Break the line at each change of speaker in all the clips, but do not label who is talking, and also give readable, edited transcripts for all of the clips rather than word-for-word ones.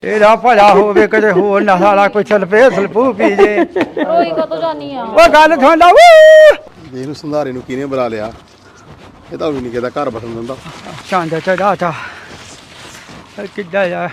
ਇਹਦਾ ਭਲਾ ਹੋਵੇ ਕਦੇ ਹੋਰ ਨਾ ਸਾਲਾ ਕੋਈ ਸਲਪੇ ਸਲਪੂ ਪੀ ਜੇ।
ਰੋਈ ਕਦੋਂ ਜਾਨੀ ਆ?
ਉਹ ਗੱਲ ਸੁਣ ਲਾ
ਦੇਖ ਨੂੰ ਸੰਧਾਰੇ ਨੂੰ ਕਿਹਨੇ ਬੁਲਾ ਲਿਆ। ਇਹ ਤਾਂ ਵੀ ਨਹੀਂ ਕਿਹਦਾ ਘਰ ਬਸਣ ਦਿੰਦਾ।
ਚੰਦ ਚੜਾ ਤਾ ਕਿੱਦਾਂ ਆ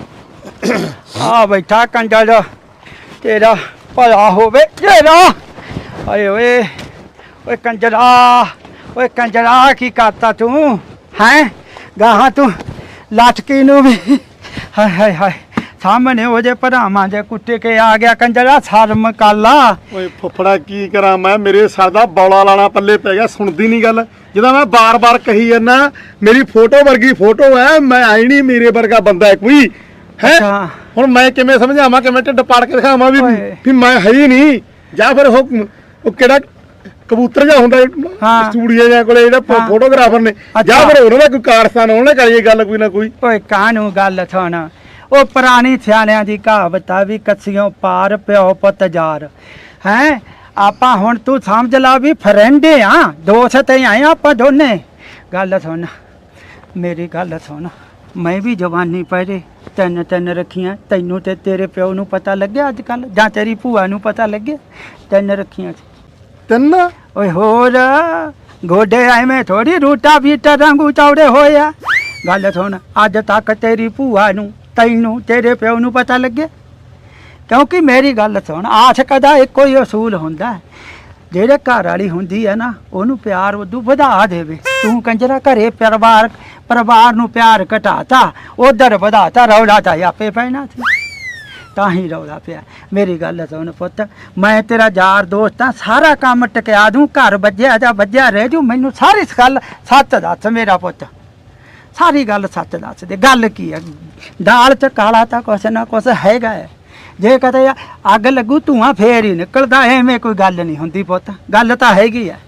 ਆ ਬੈਠਾ ਕੰਜਲ ਤੇਰਾ ਭਲਾ ਹੋਵੇ ਤੇਰਾ। ਆਏ ਓਏ ਓਏ ਕੰਜਰਾ ਕੀ ਕਰਤਾ ਤੂੰ ਹੈਂ ਗਾਹਾਂ ਤੂੰ ਲਾਟਕੀ ਨੂੰ ਵੀ ਹਾਏ ਹਾਏ ਹਾਏ ਸਾਹਮਣੇ ਉਹਦੇ ਭਰਾਵਾਂ ਦੇ ਕੁੱਤੇ ਕੇ ਆ ਗਿਆ ਕੰਜਰਾ ਸ਼ਰਮ ਕਰ ਲਾ।
ਓਏ ਫੁੱਫੜਾ ਕੀ ਕਰਾਂ ਮੈਂ, ਮੇਰੇ ਸਰ ਦਾ ਬੌਲਾ ਲਾਣਾ ਪੱਲੇ ਪੈ ਗਿਆ। ਸੁਣਦੀ ਨਹੀਂ ਗੱਲ ਜਦੋਂ ਮੈਂ ਬਾਰ-ਬਾਰ ਕਹੀ ਜਾਂਦਾ ਮੇਰੀ ਫੋਟੋ ਵਰਗੀ ਫੋਟੋ ਹੈ, ਮੈਂ ਆਈ ਨਹੀਂ ਮੇਰੇ ਵਰਗਾ ਬੰਦਾ ਕੋਈ ਹੈ। ਹੁਣ ਮੈਂ ਕਿਵੇਂ ਸਮਝਾਵਾਂ, ਕਿਵੇਂ ਢਿੱਡ ਪਾੜ ਕੇ ਦਿਖਾਵਾਂ ਵੀ ਮੈਂ ਹੈ ਹੀ ਨਹੀਂ। ਜਾਂ ਫਿਰ ਉਹ ਕਿਹੜਾ ਕਬੂਤਰ ਜਿਹਾ ਹੁੰਦਾ ਸਟੂਡੀਓ ਜਾਂ ਕੋਲੇ ਜਿਹੜਾ ਫੋਟੋਗ੍ਰਾਫਰ ਨੇ, ਜਾਂ ਫਿਰ ਉਹਨਾਂ ਦਾ ਕੋਈ ਕਾਰਸਥਾਨ ਉਹਨੇ ਕਰੀਏ ਗੱਲ ਕੋਈ ਨਾ ਕੋਈ।
ਓਏ ਕਾਹਨੂੰ ਗੱਲ ਸੁਣ, ਉਹ ਪੁਰਾਣੀ ਸਿਆਣਿਆਂ ਦੀ ਕਹਾਵਤ ਆ ਵੀ ਕੱਸੀਆਂ ਪਾਰ ਪਿਓ ਪੁੱਤ ਯਾਰ ਹੈਂ। ਆਪਾਂ ਹੁਣ ਤੂੰ ਸਮਝ ਲਾ ਵੀ ਫਰੈਂਡ ਆ, ਦੋਸਤ ਆਏ ਆਪਾਂ ਦੋਨੇ। ਗੱਲ ਸੁਣ ਮੇਰੀ ਗੱਲ ਸੁਣ, ਮੈਂ ਵੀ ਜਵਾਨੀ ਪਹਿਰੇ ਤਿੰਨ ਰੱਖੀਆਂ। ਤੈਨੂੰ ਤੇ ਤੇਰੇ ਪਿਓ ਨੂੰ ਪਤਾ ਲੱਗਿਆ ਅੱਜ ਕੱਲ, ਜਾਂ ਤੇਰੀ ਭੂਆ ਨੂੰ ਪਤਾ ਲੱਗਿਆ? ਤਿੰਨ ਰੱਖੀਆਂ ਸੀ।
ਤਿੰਨ?
ਓਏ ਹੋਰ ਗੋਡੇ ਐਵੇਂ ਥੋੜੀ ਰੂਟਾ ਬੀਟਾ ਵਾਂਗੂ ਚੌੜੇ ਹੋਏ ਆ। ਗੱਲ ਸੁਣ ਅੱਜ ਤੱਕ ਤੇਰੀ ਭੂਆ ਨੂੰ ਤੈਨੂੰ ਤੇਰੇ ਪਿਓ ਨੂੰ ਪਤਾ ਲੱਗੇ? ਕਿਉਂਕਿ ਮੇਰੀ ਗੱਲ ਸੁਣ, ਆਸ਼ਕ ਦਾ ਇੱਕੋ ਹੀ ਅਸੂਲ ਹੁੰਦਾ, ਜਿਹੜੇ ਘਰ ਵਾਲੀ ਹੁੰਦੀ ਹੈ ਨਾ ਉਹਨੂੰ ਪਿਆਰ ਉਦੋਂ ਵਧਾ ਦੇਵੇ। ਤੂੰ ਕੰਜਰਾ ਘਰੇ ਪਰਿਵਾਰ ਨੂੰ ਪਿਆਰ ਘਟਾਤਾ, ਉਧਰ ਵਧਾਤਾ, ਰੌਲਾ ਤਾਂ ਆਪੇ ਪੈਣਾ ਸੀ, ਤਾਂ ਹੀ ਰੌਲਾ ਪਿਆ। ਮੇਰੀ ਗੱਲ ਸੁਣ ਪੁੱਤ, ਮੈਂ ਤੇਰਾ ਯਾਰ ਦੋਸਤ ਆ, ਸਾਰਾ ਕੰਮ ਟਕਿਆ ਦੂੰ, ਘਰ ਵੱਜਿਆ ਜਾਂ ਵੱਜਿਆ ਰਹਿ ਜੂ। ਮੈਨੂੰ ਸਾਰੀ ਗੱਲ ਸੱਚ ਦੱਸ ਮੇਰਾ ਪੁੱਤ, ਸਾਰੀ ਗੱਲ ਸੱਚ ਦੱਸ ਦੇ। ਗੱਲ ਕੀ ਹੈ? ਦਾਲ 'ਚ ਕਾਲਾ ਤਾਂ ਕੁਛ ਨਾ ਕੁਛ ਹੈਗਾ ਹੈ। ਜੇ ਕਦੇ ਅੱਗ ਲੱਗੂ ਧੂੰਆਂ ਫੇਰ ਹੀ ਨਿਕਲਦਾ, ਐਵੇਂ ਕੋਈ ਗੱਲ ਨਹੀਂ ਹੁੰਦੀ ਪੁੱਤ, ਗੱਲ ਤਾਂ ਹੈਗੀ ਆ।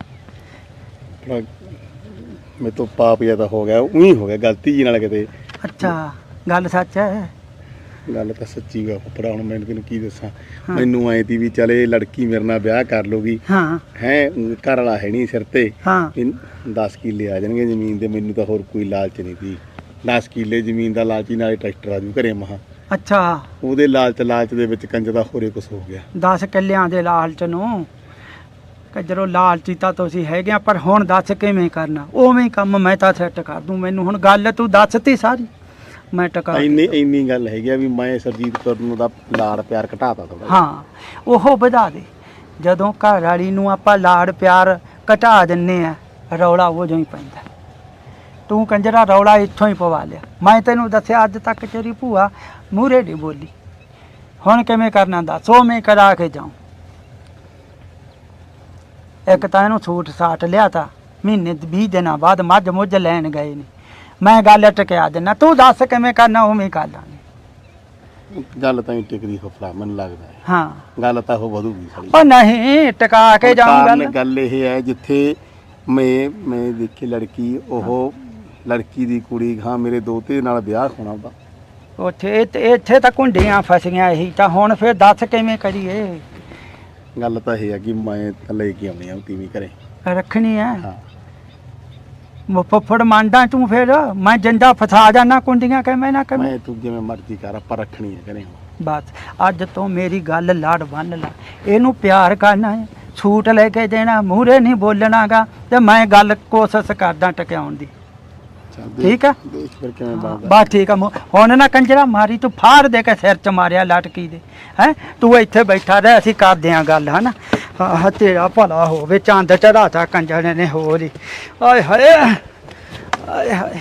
ਮੇਰੇ ਤੋਂ ਪਾਪ ਜਿਹਾ ਤਾਂ ਹੋ ਗਿਆ, ਉਹੀ ਹੋ ਗਿਆ ਗਲਤੀ ਜੀ ਨਾਲ ਕਿਤੇ।
ਅੱਛਾ ਗੱਲ ਸੱਚ ਹੈ?
ਗੱਲ ਤਾਂ ਸੱਚੀ ਗਾ ਫੁੱਫੜਾ। ਹੁਣ ਮੈਂ ਤੈਨੂੰ ਕੀ ਦੱਸਾਂ, ਮੈਨੂੰ ਐਂ ਤੀ ਵੀ ਚਲੇ ਲੜਕੀ ਮੇਰੇ ਨਾਲ ਵਿਆਹ ਕਰ ਲੂਗੀ ਹੈ, ਘਰ ਵਾਲਾ ਹੈ ਨਹੀਂ ਸਿਰ ਤੇ। 10 ਕਿੱਲੇ ਆ ਜਾਣਗੇ ਜ਼ਮੀਨ ਦੇ, ਮੈਨੂੰ ਤਾਂ ਹੋਰ ਕੋਈ ਲਾਲਚ ਨਹੀਂ ਤੀ। 10 ਕਿੱਲੇ ਜ਼ਮੀਨ ਦਾ ਲਾਲਚੀ, ਨਾਲੇ ਟਰੈਕਟਰ ਆ ਜੂ ਘਰੇ ਮਹਾ। ਅੱਛਾ ਉਹਦੇ ਲਾਲਚ ਦੇ ਵਿੱਚ ਕੰਜ ਦਾ ਹੋਰੇ ਕੁਛ ਹੋ ਗਿਆ। 10
ਕਿੱਲਿਆਂ ਦੇ ਲਾਲਚ ਨੂੰ ਕਜਰੋ ਲਾਲਚੀ ਤਾਂ ਤੁਸੀਂ ਹੈਗੇ, ਪਰ ਹੁਣ ਦੱਸ ਕਿਵੇਂ ਕਰਨਾ? ਉਵੇਂ ਕੰਮ ਮੈਂ ਤਾਂ ਸੈੱਟ ਕਰ ਦੂੰ। ਮੈਨੂੰ ਹੁਣ ਗੱਲ ਤੂੰ ਦੱਸਤੀ ਸਾਰੀ, ਮੈਂ ਟਕਾ
ਇੰਨੀ ਗੱਲ ਹੈਗੀ ਆ ਵੀ ਮੈਂ ਸਰਜੀਤ ਕੌਰ ਨੂੰ ਦਾ ਲਾੜ ਪਿਆਰ ਘਟਾਤਾ ਥੋੜਾ।
ਹਾਂ ਉਹ ਵਧਾ ਦੇ। ਜਦੋਂ ਘਰ ਵਾਲੀ ਨੂੰ ਆਪਾਂ ਲਾੜ ਪਿਆਰ ਘਟਾ ਦਿੰਨੇ ਆ, ਰੌਲਾ ਉਹ ਜੋ ਹੀ ਪੈਂਦਾ। ਤੂੰ ਕੰਜਰਾ ਰੌਲਾ ਇੱਥੋਂ ਹੀ ਪਵਾ ਲਿਆ। ਮੈਂ ਤੈਨੂੰ ਦੱਸਿਆ ਅੱਜ ਤੱਕ ਤੇਰੀ ਭੂਆ ਮੂਹਰੇ ਨਹੀਂ ਬੋਲੀ, ਹੁਣ ਕਿਵੇਂ ਕਰਨਾ ਦੱਸ? ਉਵੇਂ ਕਰਾ ਕੇ ਜਾਉ। ਇੱਕ ਤਾਂ ਇਹਨੂੰ ਸੂਟ ਸਾਟ ਲਿਆ ਤਾ, ਮਹੀਨੇ 20 ਦਿਨਾਂ ਬਾਅਦ ਮੱਝ ਮੁੱਝ ਲੈਣ ਗਏ ਨੇ। ਮੈਂ ਗੱਲ ਟਕਿਆ ਦਿੰਦਾ, ਤੂੰ ਦੱਸ ਕਿਵੇਂ ਕਰਨਾ, ਉਵੇਂ ਕਰ ਲਾਂਗੇ।
ਗੱਲ ਤਾਂ ਹੀ ਟਿਕਦੀ ਫੁੱਫੜਾ, ਮੈਨੂੰ ਲੱਗਦਾ ਹੈ।
ਹਾਂ
ਗੱਲ ਤਾਂ ਉਹ ਵਧੂਗੀ ਸਾਡੀ।
ਉਹ ਨਹੀਂ ਟਕਾ ਕੇ ਜਾਊਂ।
ਗੱਲ ਇਹ ਹੈ ਜਿੱਥੇ ਮੈਂ ਦੇਖੀ ਲੜਕੀ, ਉਹ ਲੜਕੀ ਦੀ ਕੁੜੀ ਹਾਂ ਮੇਰੇ ਦੋਤੇ ਨਾਲ ਵਿਆਹ ਹੋਣਾ ਉਹਦਾ,
ਉੱਥੇ ਇੱਥੇ ਤਾਂ ਕੁੰਡੀਆਂ ਫਸੀਆਂ ਇਹੀ ਤਾਂ। ਹੁਣ ਫਿਰ ਦੱਸ ਕਿਵੇਂ ਕਰੀਏ?
ਗੱਲ ਤਾਂ ਇਹ ਹੈ ਕਿ ਮੈਂ ਤਾਂ ਲੈ ਕੇ ਆਉਣੀ ਆ ਤੀਵੀਂ ਘਰੇ
ਰੱਖਣੀ ਹੈ। ਫੁੱਫੜ ਮੰਨਦਾ ਤੂੰ? ਫਿਰ ਮੈਂ ਜਿੰਦਾ ਫਸਾ ਜਾਣਾ ਕੁੰਡੀਆਂ ਕਿਵੇਂ ਨਾ ਕਿਵੇਂ।
ਮੈਂ ਤੂੰ ਜਿਵੇਂ ਮਰਜ਼ੀ ਕਰ, ਆਪਾਂ ਰੱਖਣੀ ਹੈ ਘਰੇ।
ਬਸ ਅੱਜ ਤੋਂ ਮੇਰੀ ਗੱਲ ਲੜ ਬੰਨ ਲਾ, ਇਹਨੂੰ ਪਿਆਰ ਕਰਨਾ ਹੈ, ਛੂਟ ਲੈ ਕੇ ਦੇਣਾ, ਮੂਹਰੇ ਨਹੀਂ ਬੋਲਣਾਗਾ, ਤੇ ਮੈਂ ਗੱਲ ਕੋਸ਼ਿਸ਼ ਕਰਦਾ ਟਿਕਾਉਣ ਦੀ। ਠੀਕ ਆ ਬਸ ਠੀਕ ਆ। ਹੁਣ ਨਾ ਕੰਜਰਾ ਮਾਰੀ ਤੂੰ, ਫਾੜ ਦੇ ਕੇ ਸਿਰ 'ਚ ਮਾਰਿਆ ਲਟਕੀ ਦੇ ਹੈ। ਤੂੰ ਇੱਥੇ ਬੈਠਾ ਰਹਿ, ਅਸੀਂ ਕਰਦੇ ਆਂ ਗੱਲ ਹਨਾ। ਹਾਂ ਤੇਰਾ ਭਲਾ ਹੋਵੇ, ਚੰਦ ਚੜਾਤਾ ਕੰਜਰ ਨੇ ਹੋਰ ਹੀ। ਆਏ ਹਾਏ ਆਏ ਹਾਏ,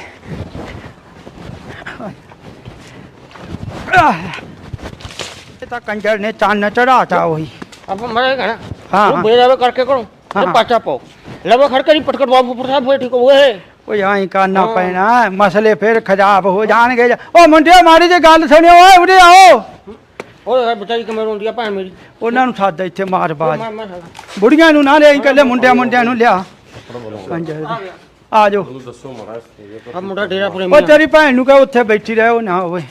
ਇਹ ਤਾਂ ਕੰਜਰ ਨੇ ਚੰਨ ਚੜਾਤਾ ਉਹੀ।
ਆਪਾਂ ਮਰੇਗਾ ਨਾ।
हाँ
बेरावे करके करो तो पाचा पाओ लवा खड़के नहीं पटकर बाबू पर साहब ठीक हो है।
ਉਹ ਐਂ ਕਰਨਾ ਪੈਣਾ, ਮਸਲੇ ਫਿਰ ਖਰਾਬ ਹੋ ਜਾਣਗੇ। ਉਹ ਮੁੰਡਿਓ ਮਾੜੀ ਜਿਹੀ ਗੱਲ ਸੁਣਿਓ, ਓਏ ਉਰੇ ਆਓ।
ਉਹ ਬਚਾਈ ਕਿਵੇਂ ਰੋਂਦੀ ਆ ਭੈਣ ਮੇਰੀ?
ਉਹਨਾਂ ਨੂੰ ਸੱਦ ਇੱਥੇ ਮਾਰ ਬਾਜ, ਬੁੜੀਆਂ ਨੂੰ ਨਾ ਲਿਆਈ, ਇਕੱਲੇ ਮੁੰਡਿਆਂ ਨੂੰ ਲਿਆ। ਆ ਜਾਓ।
ਆ ਮੁੰਡਾ ਡੇਰਾ ਪੁਰੇ
ਉਹ ਤੇਰੀ ਭੈਣ ਨੂੰ ਕਹ ਉੱਥੇ ਬੈਠੀ ਰਹੇ, ਉਹ ਨਾ ਹੋਵੇ।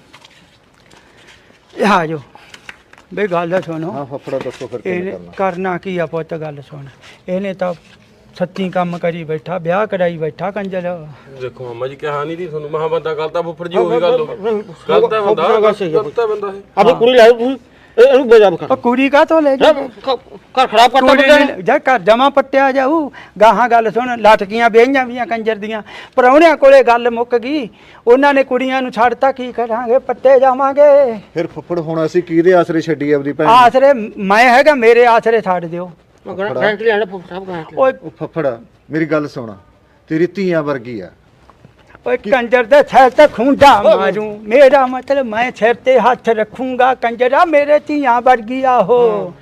ਆ ਜਾਓ ਬਈ ਗੱਲ ਸੁਣੋ।
ਹਾਂ ਫਫੜਾ ਦੱਸੋ ਫਿਰ
ਇਹਨੇ ਕਰਨਾ ਕੀ ਆ ਪੁੱਤ? ਗੱਲ ਸੁਣ, ਇਹਨੇ ਤਾਂ ਸੱਚੀ ਕੰਮ ਕਰੀ ਬੈਠਾ, ਵਿਆਹ ਕਰਾਈ ਬੈਠਾ ਕੰਜਰ।
ਦੇਖੋ ਮਾਮਾ ਜੀ ਕਿਹਾ ਨਹੀਂ ਦੀ ਤੁਹਾਨੂੰ ਮਹਾ ਬੰਦਾ ਗਲਤ ਆ ਫੁੱਫੜ ਜੀ ਉਹੀ ਗੱਲ ਗਲਤ ਹੈ ਬੰਦਾ ਗਲਤ ਹੈ ਬੰਦਾ ਇਹ
ਅਬੇ ਕੁੜੀ ਲਾਇ ਤੂੰ ਇਹਨੂੰ ਬੇਜਾਬ ਕਰ
ਉਹ ਕੁੜੀ ਕਾ ਤੋਂ ਲੈ ਜਾ
ਘਰ ਖਰਾਬ ਕਰਤਾ
ਕੁੜੀ ਨੇ ਜਾ ਘਰ ਜਮਾ ਪੱਟਿਆ ਜਾਊ। ਗਾਹਾਂ ਗੱਲ ਸੁਣ, ਲਟਕੀਆਂ ਵੇਹੀਆਂ ਵੀਆਂ ਕੰਜਰ ਦੀਆਂ, ਪ੍ਰਾਹੁਣਿਆਂ ਕੋਲੇ ਗੱਲ ਮੁੱਕ ਗਈ, ਉਹਨਾਂ ਨੇ ਕੁੜੀਆਂ ਨੂੰ ਛੱਡਤਾ, ਕੀ ਕਰਾਂਗੇ, ਪੱਟੇ ਜਾਵਾਂਗੇ।
ਫਿਰ ਫੁੱਫੜ ਹੁਣ ਅਸੀਂ ਕਿਹਦੇ ਆਸਰੇ ਛੱਡੀ ਆਪਦੀ ਭੈਣ ਨੂੰ?
ਆਸਰੇ ਮੈਂ ਹੈਗਾ, ਮੇਰੇ ਆਸਰੇ ਛੱਡ ਦਿਓ।
ਗਰੰਟੀ ਲੈਣਾ ਸਾਹਿਬ ਗਰੰਟੀ
ਓਏ
ਉਹ ਫੁੱਫੜ ਮੇਰੀ ਗੱਲ ਸੁਣ, ਤੇਰੀ ਧੀਆਂ ਵਰਗੀ ਆ।
ਓਏ ਕੰਜਰ ਦੇ ਸਿਰ ਤੇ ਖੁੰਡਾ ਮਾਰੂ, ਮੇਰਾ ਮਤਲਬ ਮੈਂ ਸਿਰ ਤੇ ਹੱਥ ਰੱਖੂੰਗਾ ਕੰਜਰਾ, ਮੇਰੇ ਧੀਆਂ ਵਰਗੀ ਆਹੋ,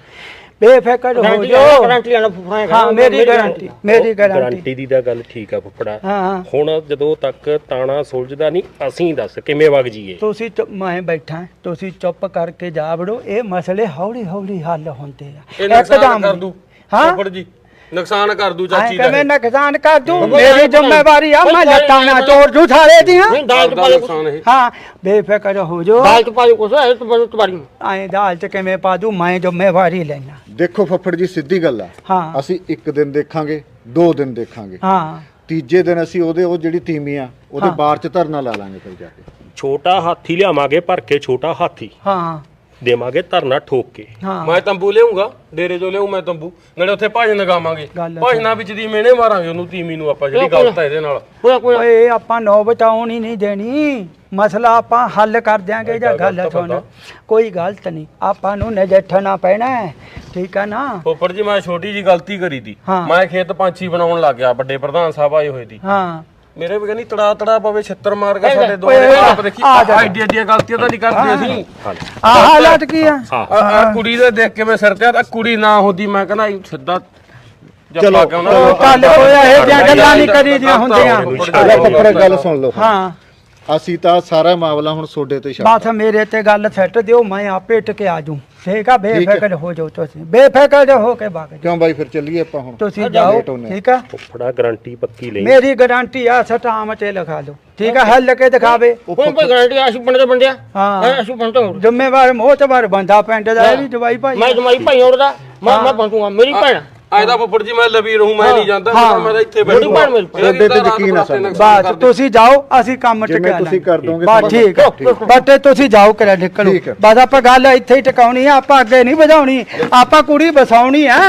ਬੇਫਿਕਰ ਹੋ ਜੋ।
ਗਰੰਟੀ ਲੈਣਾ ਫੁੱਫੜਾ
ਹਾਂ ਮੇਰੀ ਗਾਰੰਟੀ, ਮੇਰੀ ਗਾਰੰਟੀ।
ਗਾਰੰਟੀ ਦੀ ਤਾਂ ਗੱਲ ਠੀਕ ਆ ਫੁੱਫੜਾ।
ਹਾਂ
ਹੁਣ ਜਦੋਂ ਤੱਕ ਤਾਣਾ ਸੁਲਝਦਾ ਨਹੀਂ ਅਸੀਂ ਦੱਸ ਕਿਵੇਂ ਵਗ ਜੀਏ।
ਤੁਸੀਂ ਮੈਂ ਬੈਠਾ, ਤੁਸੀਂ ਚੁੱਪ ਕਰਕੇ ਜਾ ਵੜੋ, ਇਹ ਮਸਲੇ ਹੌਲੀ ਹੌਲੀ ਹੱਲ ਹੁੰਦੇ ਆ।
ਇਹ ਨੁਕਸਾਨ ਕਰ ਦੂ ਫੁੱਫੜ ਜੀ, ਨੁਕਸਾਨ ਕਰ ਦੂ ਚਾਚੀ ਦਾ।
ਕਿਵੇਂ ਨੁਕਸਾਨ ਕਰ ਦੂੰ, ਮੇਰੀ ਜ਼ਿੰਮੇਵਾਰੀ ਆ, ਮੈਂ ਲੱਤਾਂ ਨਾ ਤੋੜ ਦੂੰ ਸਾਰੇ ਦੀਆਂ।
ਦਾਲ ਚ ਪਾ
ਨੁਕਸਾਨ ਇਹ
ਹਾਂ ਬੇਫਿਕਰ ਹੋ ਜੋ।
ਦਾਲ ਚ ਪਾ ਦੇ ਕੁਛ ਇਹ ਤਾਂ ਤੁਹਾਡੀ
ਐਂ ਦਾਲ ਚ ਕਿਵੇਂ ਪਾ ਦੂੰ, ਮੈਂ ਜ਼ਿੰਮੇਵਾਰੀ ਲੈਣਾ।
ਦੇਖੋ ਫੁੱਫੜ ਜੀ ਸਿੱਧੀ ਗੱਲ ਆ,
ਹਾਂ
ਅਸੀਂ ਇੱਕ ਦਿਨ ਦੇਖਾਂਗੇ, 2 ਦਿਨ ਦੇਖਾਂਗੇ,
ਹਾਂ
ਤੀਜੇ ਦਿਨ ਅਸੀਂ ਉਹ ਜਿਹੜੀ ਤੀਮੀ ਆ ਉਹਦੇ ਬਾਰ ਚ ਧਰਨਾ ਲਾ ਲਾਂਗੇ ਫਿਰ ਜਾ ਕੇ।
ਛੋਟਾ ਹਾਥੀ ਲਿਆਵਾਂਗੇ ਭਰ ਕੇ, ਛੋਟਾ ਹਾਥੀ
ਹਾਂ
ਦੇਵਾਂਗੇ ਧਰਨਾ ਠੋਕ ਕੇ।
ਹਾਂ
ਮੈਂ ਤੰਬੂ ਲਿਆਉਂਗਾ, ਡੇਰੇ ਜੋ ਲਿਆਉ ਮੈਂ ਤੰਬੂ, ਨਾਲੇ ਉੱਥੇ ਭਜਨ ਲਗਾਵਾਂਗੇ,
ਗੱਲ
ਭਜਨਾਂ ਵਿੱਚ ਦੀ ਮਿਹਣੇ ਮਾਰਾਂਗੇ ਉਹਨੂੰ ਤੀਮੀ ਨੂੰ ਆਪਾਂ, ਜਿਹੜੀ ਗਲਤ ਹੈ ਇਹਦੇ ਨਾਲ।
ਓਏ ਆਪਾਂ ਨੌਬਤ ਆਉਣ ਹੀ ਨਹੀਂ ਦੇਣੀ, ਮਸਲਾ ਆਪਾਂ ਹੱਲ ਕਰ ਦਿਆਂਗੇ। ਜਾਂ ਗੱਲ ਸੁਣ, ਕੋਈ ਗਲਤ ਨਹੀਂ, ਆਪਾਂ ਨੂੰ ਨਜਿੱਠਣਾ ਪੈਣਾ ਹੈ, ਠੀਕ ਆ ਨਾ।
ਫੁੱਫੜ ਜੀ ਮੈਂ ਛੋਟੀ ਜੀ ਗਲਤੀ ਕਰੀ ਤੀ,
ਹਾਂ।
ਮੈਂ ਖੇਤ ਪੰਛੀ ਬਣਾਉਣ ਲੱਗ ਗਿਆ, ਵੱਡੇ ਪ੍ਰਧਾਨ ਸਾਹਿਬ ਆਏ ਹੋਏ ਦੀ,
ਹਾਂ
ਮੇਰੇ ਵੀ ਕਹਿੰਦੀ ਤੜਾ ਪਵੇ ਛਿੱਤਰ ਮਾਰ ਕੇ ਸਾਡੇ ਦੋ
ਓਏ,
ਆਪ ਦੇਖੀ
ਆ ਜਾ।
ਐਡੀ ਐਡੀਆਂ ਗਲਤੀਆਂ ਤਾਂ ਨਹੀਂ ਕਰਦੇ ਅਸੀਂ।
ਆਹ ਹਾਲਾਤ ਕੀ ਆ?
ਆ ਕੁੜੀ ਦੇ ਦੇਖ ਕੇ ਮੈਂ ਸਿਰ ਤੇ ਆ ਕੁੜੀ ਨਾ ਹੁੰਦੀ ਮੈਂ ਕਹਿੰਦਾ ਸਿੱਧਾ
ਚਲੋ,
ਜੱਫਾ ਕਿਉਂ ਨਾ
ਚੱਲ ਹੋਇਆ, ਇਹ ਜਿਹੀਆਂ ਗੱਲਾਂ ਨਹੀਂ ਕਰੀਦੀਆਂ ਹੁੰਦੀਆਂ।
ਲੈ ਫੁੱਫੜ ਗੱਲ ਸੁਣ ਲਓ,
ਹਾਂ
ਅਸੀਂ ਤਾਂ ਸਾਰਾ ਮਾਮਲਾ ਹੁਣ ਤੁਹਾਡੇ ਤੇ ਛੱਡ
ਬਸ ਮੇਰੇ ਤੇ ਗੱਲ ਸੈੱਟ ਦਿਓ, ਮੈਂ ਆਪੇ ਟਕੇ ਆ ਜੂ, ਠੀਕ ਆ। ਬੇਫਿਕਰ ਹੋ ਜਾਓ, ਤੁਸੀਂ ਬੇਫਿਕਰ ਹੋ ਕੇ ਬਾਗ
ਕਿਉਂ ਬਾਈ ਫਿਰ ਚੱਲੀਏ ਆਪਾਂ ਹੁਣ?
ਤੁਸੀਂ ਜਾਓ,
ਲੇਟ ਹੋਨੇ।
ਠੀਕ ਆ।
ਫੁੱਫੜਾ ਗਾਰੰਟੀ ਪੱਕੀ ਲਈ,
ਮੇਰੀ ਗਾਰੰਟੀ ਆ, ਸਟਾਮ ਤੇ ਲਿਖਾ ਲਓ, ਠੀਕ ਆ। ਹੱਲ ਕੇ ਦਿਖਾਵੇ,
ਕੋਈ ਗਰੰਟੀ ਅਸੀਂ ਪਿੰਡ ਦੇ ਬੰਦਿਆ
ਹਾਂ
ਅਸੀਂ ਪਿੰਡ ਤੋਂ
ਜ਼ਿੰਮੇਵਾਰ ਮੋਹਤਬਰ ਬੰਦਾ ਪਿੰਡ ਦਾ, ਇਹ ਵੀ ਜਵਾਈ ਭਾਈ।
ਮੈਂ ਜਮਾਈ ਭਾਈ ਉਹਦਾ ਮੈਂ ਪਹੁੰਚੂਗਾ, ਮੇਰੀ ਭੈਣ
ਆਇਦਾ ਫੁੱਫੜ ਜੀ ਮੈਂ ਲਵੀ ਰਹੂੰ, ਮੈਂ ਨਹੀਂ ਜਾਂਦਾ, ਮੈਂ ਤਾਂ ਇੱਥੇ
ਮੇਰੀ ਭੈਣ ਮੇਰੀ ਭੈਣ।
ਤੁਹਾਡੇ ਤੇ ਯਕੀਨ ਆ ਸਾਨੂੰ।
ਬਸ ਤੁਸੀਂ ਜਾਓ, ਅਸੀਂ ਕੰਮ
ਜਿਵੇਂ
ਟਿਕਾ
ਤੁਸੀਂ ਕਰ ਦੋਗੇ
ਬਸ ਠੀਕ ਆ। ਬਸ ਤੁਸੀਂ ਜਾਓ ਕਰਾ ਨਿਕਲੋ,
ਠੀਕ ਆ।
ਬਸ ਆਪਾਂ ਗੱਲ ਇੱਥੇ ਹੀ ਟਿਕਾਉਣੀ ਆ, ਆਪਾਂ ਅੱਗੇ ਨਹੀਂ ਵਧਾਉਣੀ, ਆਪਾਂ ਕੁੜੀ ਬਸਾਉਣੀ ਆ।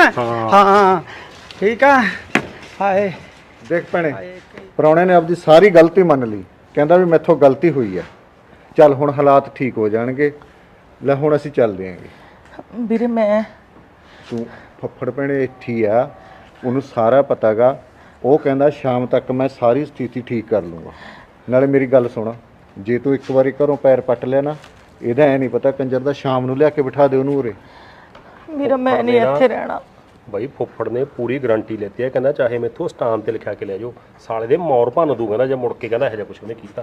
ਹਾਂ ਠੀਕ ਆ। ਹਾਏ
ਦੇਖ ਭੈਣੇ, ਪ੍ਰਾਹੁਣੇ ਨੇ ਆਪਦੀ ਸਾਰੀ ਗਲਤੀ ਮੰਨ ਲਈ, ਕਹਿੰਦਾ ਵੀ ਮੈਥੋਂ ਗਲਤੀ ਹੋਈ ਆ, ਚੱਲ ਹੁਣ ਹਾਲਾਤ ਠੀਕ ਹੋ ਜਾਣਗੇ, ਲੈ ਹੁਣ ਅਸੀਂ ਚੱਲਦੇ ਆਂਗੇ।
ਵੀਰੇ ਮੈਂ
ਤੂੰ ਫੱਫੜ ਭੈਣੇ ਇੱਥੇ ਹੀ ਆ, ਉਹਨੂੰ ਸਾਰਾ ਪਤਾਗਾ, ਉਹ ਕਹਿੰਦਾ ਸ਼ਾਮ ਤੱਕ ਮੈਂ ਸਾਰੀ ਸਥਿਤੀ ਠੀਕ ਕਰ ਲੂੰਗਾ। ਨਾਲੇ ਮੇਰੀ ਗੱਲ ਸੁਣ, ਜੇ ਤੂੰ ਇੱਕ ਵਾਰੀ ਘਰੋਂ ਪੈਰ ਪੱਟ ਲਿਆ ਨਾ, ਇਹਦਾ ਐ ਨਹੀਂ ਪਤਾ ਕੰਜਰ ਦਾ ਸ਼ਾਮ ਨੂੰ ਲਿਆ ਕੇ ਬਿਠਾ ਦੇ ਉਹਨੂੰ ਉਰੇ।
ਵੀਰੇ ਮੈਂ ਨਹੀਂ ਇੱਥੇ ਰਹਿਣਾ।
ਬਾਈ ਫੁੱਫੜ ਨੇ ਪੂਰੀ ਗਾਰੰਟੀ ਲੈਤੀ ਹੈ, ਕਹਿੰਦਾ ਚਾਹੇ ਮੈਥੋਂ ਸਟਾਮ ਤੇ ਲਿਖਿਆ ਕੇ ਲੈ ਜਾਓ, ਸਾਲੇ ਦੇ ਮੌਰ ਭੰਨ ਦੂ ਕਹਿੰਦਾ, ਜੇ ਮੁੜ ਕੇ ਕਹਿੰਦਾ ਇਹੋ ਜਿਹਾ ਕੁਝ ਉਹਨੇ ਕੀਤਾ।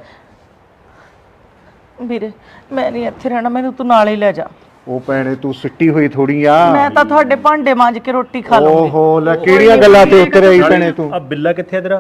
ਵੀਰੇ ਮੈਂ ਨਹੀਂ ਇੱਥੇ ਰਹਿਣਾ, ਮੈਨੂੰ ਤੂੰ ਨਾਲ ਹੀ ਲੈ ਜਾ।
ਉਹ ਭੈਣੇ ਤੂੰ ਸਿੱਟੀ ਹੋਈ ਥੋੜੀ ਆ।
ਮੈਂ ਤਾਂ ਤੁਹਾਡੇ ਭਾਂਡੇ ਮਾਂਜ ਕੇ ਰੋਟੀ ਖਾ ਲੂੰਗੀ।
ਓਹੋ ਲੈ ਕਿਹੜੀਆਂ ਗੱਲਾਂ ਤੇ ਉਤਰ ਆਈ ਭੈਣੇ ਤੂੰ।
ਆ ਬਿੱਲਾ ਕਿੱਥੇ ਤੇਰਾ?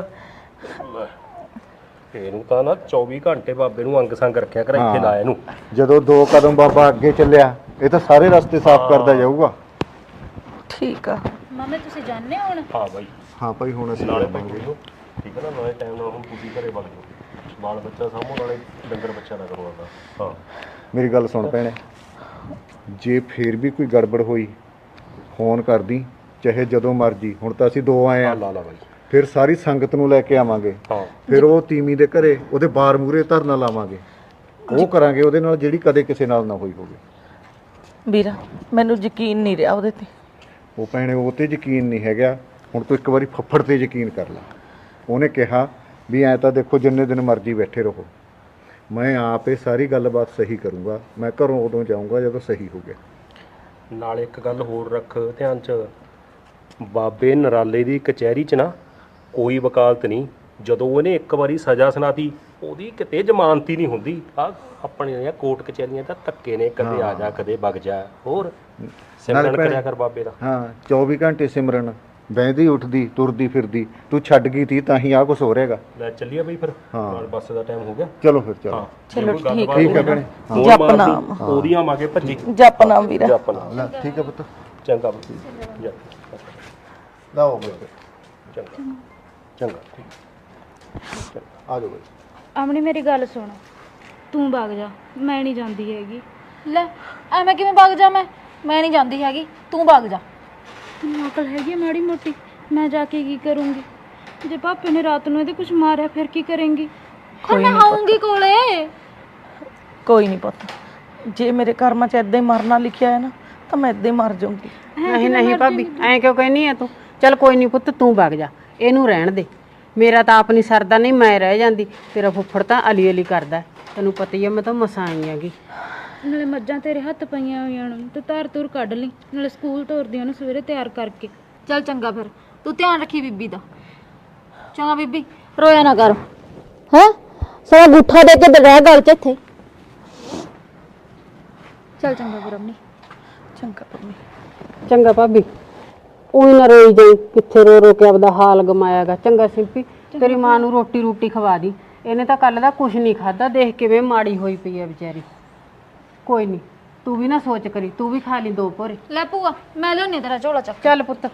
ਇਹਨੂੰ ਤਾਂ ਨਾ 24 ਘੰਟੇ ਬਾਬੇ ਨੂੰ ਅੰਗ ਸੰਗ ਰੱਖਿਆ ਕਰ, ਇੱਥੇ ਲਾਇਆ ਇਹਨੂੰ।
ਜਦੋਂ 2 ਕਦਮ ਬਾਬਾ ਅੱਗੇ ਚੱਲਿਆ, ਇਹ ਤਾਂ ਸਾਰੇ ਰਸਤੇ ਸਾਫ਼ ਕਰਦਾ ਜਾਊਗਾ।
ਠੀਕ ਆ
ਮਾਮੇ ਤੁਸੀਂ ਜਾਣਦੇ ਹੋ ਹੁਣ?
ਹਾਂ ਬਾਈ
ਹਾਂ ਭਾਈ ਹੁਣ ਅਸੀਂ
ਨਾਲੇ ਬੈਠੇ ਹੋ, ਠੀਕ ਹੈ ਨਾ, ਨਾਲੇ ਟਾਈਮ ਨਾਲ ਹੁਣ ਤੁਸੀਂ ਘਰੇ ਵਗ ਜਾਓ, ਬਾਲ ਬੱਚਾ ਸਾਂਭੋ, ਨਾਲੇ ਡੰਗਰ ਬੱਚਾ ਨਾ ਕਰੋ ਆਪਦਾ। ਹਾਂ
ਮੇਰੀ ਗੱਲ ਸੁਣ ਭੈਣੇ, ਜੇ ਫੇਰ ਵੀ ਕੋਈ ਗੜਬੜ ਹੋਈ ਫੋਨ ਕਰਦੀ, ਚਾਹੇ ਜਦੋਂ ਮਰਜੀ। ਹੁਣ ਤਾਂ ਅਸੀਂ 2 ਆਏ ਆ,
ਲਾ ਬਾਈ,
ਫਿਰ ਸਾਰੀ ਸੰਗਤ ਨੂੰ ਲੈ ਕੇ ਆਵਾਂਗੇ,
ਹਾਂ
ਫਿਰ ਉਹ ਤੀਮੀ ਦੇ ਘਰੇ ਉਹਦੇ ਬਾਰ ਮੂਰੇ ਧਰਨਾ ਲਾਵਾਂਗੇ, ਉਹ ਕਰਾਂਗੇ ਉਹਦੇ ਨਾਲ ਜਿਹੜੀ ਕਦੇ ਕਿਸੇ ਨਾਲ ਨਾ ਹੋਈ ਹੋਵੇ।
ਵੀਰਾ ਮੈਨੂੰ ਯਕੀਨ ਨਹੀਂ ਰਿਹਾ ਉਹਦੇ ਤੇ।
ਉਹ ਭੈਣੇ ਉਹ ਤੇ ਯਕੀਨ ਨਹੀਂ ਹੈਗਾ, ਹੁਣ ਤੂੰ ਇੱਕ ਵਾਰੀ ਫੱਫੜ ਤੇ ਯਕੀਨ ਕਰ ਲੈ। ਉਹਨੇ ਕਿਹਾ ਵੀ ਐਂ ਤਾਂ ਦੇਖੋ ਜਿੰਨੇ ਦਿਨ ਮਰਜ਼ੀ ਬੈਠੇ ਰਹੋ, ਮੈਂ ਆਪ ਇਹ ਸਾਰੀ ਗੱਲਬਾਤ ਸਹੀ ਕਰੂੰਗਾ, ਮੈਂ ਘਰੋਂ ਉਦੋਂ ਜਾਊਂਗਾ ਜਦੋਂ ਸਹੀ ਹੋ ਗਿਆ।
ਨਾਲੇ ਇੱਕ ਗੱਲ ਹੋਰ ਰੱਖ ਧਿਆਨ 'ਚ, ਬਾਬੇ ਨਰਾਲੇ ਦੀ ਕਚਹਿਰੀ 'ਚ ਨਾ ਕੋਈ ਵਕਾਲਤ ਨਹੀਂ, ਜਦੋਂ ਉਹਨੇ ਇੱਕ ਵਾਰੀ ਸਜ਼ਾ ਸੁਣਾਤੀ ਉਹਦੀ ਕਿਤੇ ਜ਼ਮਾਨਤ ਹੀ ਨਹੀਂ ਹੁੰਦੀ। ਆ ਆਪਣੇ ਕੋਰਟ ਕਚਹਿਰੀਆਂ ਤਾਂ ਧੱਕੇ ਨੇ, ਕਦੇ ਆ ਜਾ ਕਦੇ ਵਗ ਜਾ। ਹੋਰ ਸਿਮਰਨ ਕਰਿਆ ਕਰ ਬਾਬੇ ਦਾ।
ਹਾਂ 24 ਘੰਟੇ ਸਿਮਰਨ, ਬਹਿੰਦੀ ਉੱਠਦੀ ਤੁਰਦੀ ਫਿਰਦੀ, ਤੂੰ ਛੱਡ ਗਈ ਤੀ ਤਾਂ ਹੀ ਆਹ ਕੁਛ ਹੋ ਰਿਹਾਗਾ।
ਲੈ ਚੱਲੀਏ ਬਈ ਫਿਰ, ਨਾਲ ਬੱਸ ਦਾ ਟਾਈਮ ਹੋ ਗਿਆ।
ਚਲੋ ਫਿਰ ਚਲੋ।
ਚਲੋ ਠੀਕ
ਠੀਕ ਹੈ ਭੈਣੇ।
ਜਪਨਾਮ
ਉਹਦੀਆਂ ਮਾਗੇ ਭੱਜੀ
ਜਪਨਾਮ ਵੀਰਾ।
ਜਪਨਾ
ਲੈ ਠੀਕ ਹੈ ਪੁੱਤ,
ਚੰਗਾ ਬਈ।
ਲਾਓ ਬੇਟੇ।
ਚੰਗਾ ਚੰਗਾ ਠੀਕ ਆ ਜਾਓ ਬਾਈ।
ਆਪਣੀ ਮੇਰੀ ਗੱਲ ਸੁਣ, ਤੂੰ ਵਗ ਜਾ, ਮੈਂ ਨਹੀਂ ਜਾਂਦੀ ਹੈਗੀ। ਲੈ ਐਵੇਂ ਕਿਵੇਂ ਵਗ ਜਾ? ਮੈਂ ਨਹੀਂ ਜਾਂਦੀ ਹੈਗੀ, ਤੂੰ ਵਗ ਜਾ। ਤੈਨੂੰ ਅਕਲ ਹੈਗੀ ਆ ਮਾੜੀ ਮੋਟੀ? ਮੈਂ ਜਾ ਕੇ ਕੀ ਕਰੂੰਗੀ? ਜੇ ਪਾਪੇ ਨੇ ਰਾਤ ਨੂੰ ਇਹਦੇ ਕੁਝ ਮਾਰਿਆ ਫਿਰ ਕੀ ਕਰੇਂਗੀ? ਫਿਰ ਮੈਂ ਆਉਂਗੀ ਕੋਲੇ।
ਕੋਈ ਨਹੀਂ ਪੁੱਤ, ਜੇ ਮੇਰੇ ਕਰਮਾਂ 'ਚ ਏਦਾਂ ਹੀ ਮਰਨਾ ਲਿਖਿਆ ਹੈ ਨਾ ਤਾਂ ਮੈਂ ਏਦਾਂ ਹੀ ਮਰ ਜਾਊਂਗੀ।
ਨਹੀਂ ਨਹੀਂ ਭਾਬੀ, ਐਂ ਕਿਉਂ ਕਹਿਨੀ ਆ ਤੂੰ? ਚੱਲ ਕੋਈ ਨਹੀਂ ਪੁੱਤ, ਤੂੰ ਵਗ ਜਾ, ਇਹਨੂੰ ਰਹਿਣ ਦੇ। ਮੇਰਾ ਤਾਂ ਆਪ ਨਹੀਂ ਸਰਦਾ, ਨਹੀਂ ਮੈਂ ਰਹਿ ਜਾਂਦੀ। ਤੇਰਾ ਫੁੱਫੜ ਤਾਂ ਅਲੀ ਅਲੀ ਕਰਦਾ, ਤੈਨੂੰ ਪਤਾ ਹੀ ਆ, ਮੈਂ ਤਾਂ ਮਸਾਂ ਆਈ ਹੈਗੀ।
ਨਾਲੇ ਮੱਝਾਂ ਤੇਰੇ ਹੱਥ ਪਈਆਂ ਹੋਈਆਂ ਨੇ ਤੇ ਧਾਰ ਧੂਰ ਕੱਢ ਲਈ, ਨਾਲੇ ਸਕੂਲ ਤੋਰਦੀਆਂ ਨੂੰ ਸਵੇਰੇ ਤਿਆਰ ਕਰਕੇ। ਚੱਲ ਚੰਗਾ, ਫਿਰ ਤੂੰ ਧਿਆਨ ਰੱਖੀ ਬੀਬੀ ਦਾ। ਚੰਗਾ ਬੀਬੀ, ਰੋਇਆ ਨਾ ਕਰ ਹੈ। ਸਾਰਾ ਗੁੱਠਾ ਦੇ ਕੇ ਰਹਿ ਗੱਲ ਚ ਇੱਥੇ। ਚੱਲ ਚੰਗਾ ਫਿਰ ਅੰਮੀ।
ਚੰਗਾ ਪੰਮੀ।
ਚੰਗਾ ਭਾਬੀ, ਉਹੀ ਨਾ ਰੋਈ ਜਾਈ, ਕਿੱਥੇ ਰੋ ਰੋ ਕੇ ਆਪਦਾ ਹਾਲ ਗਮਾਇਆਗਾ। ਚੰਗਾ ਸਿੰਪੀ, ਤੇਰੀ ਮਾਂ ਨੂੰ ਰੋਟੀ ਰੂਟੀ ਖਵਾ ਦੀ, ਇਹਨੇ ਤਾਂ ਕੱਲ ਦਾ ਕੁਝ ਨਹੀਂ ਖਾਦਾ, ਦੇਖ ਕਿਵੇਂ ਮਾੜੀ ਹੋਈ ਪਈ ਹੈ ਵਿਚਾਰੀ। ਕੋਈ ਨਹੀਂ, ਤੂੰ ਵੀ ਨਾ ਸੋਚ ਕਰੀ, ਤੂੰ ਵੀ ਖਾ ਲਈ 2 ਭੋਰੇ।
ਲੈ ਭੂਆ, ਮੈਂ ਲਿਆਉਣੀ ਤੇਰਾ ਝੋਲਾ ਚੱਕ।
ਚੱਲ ਪੁੱਤ।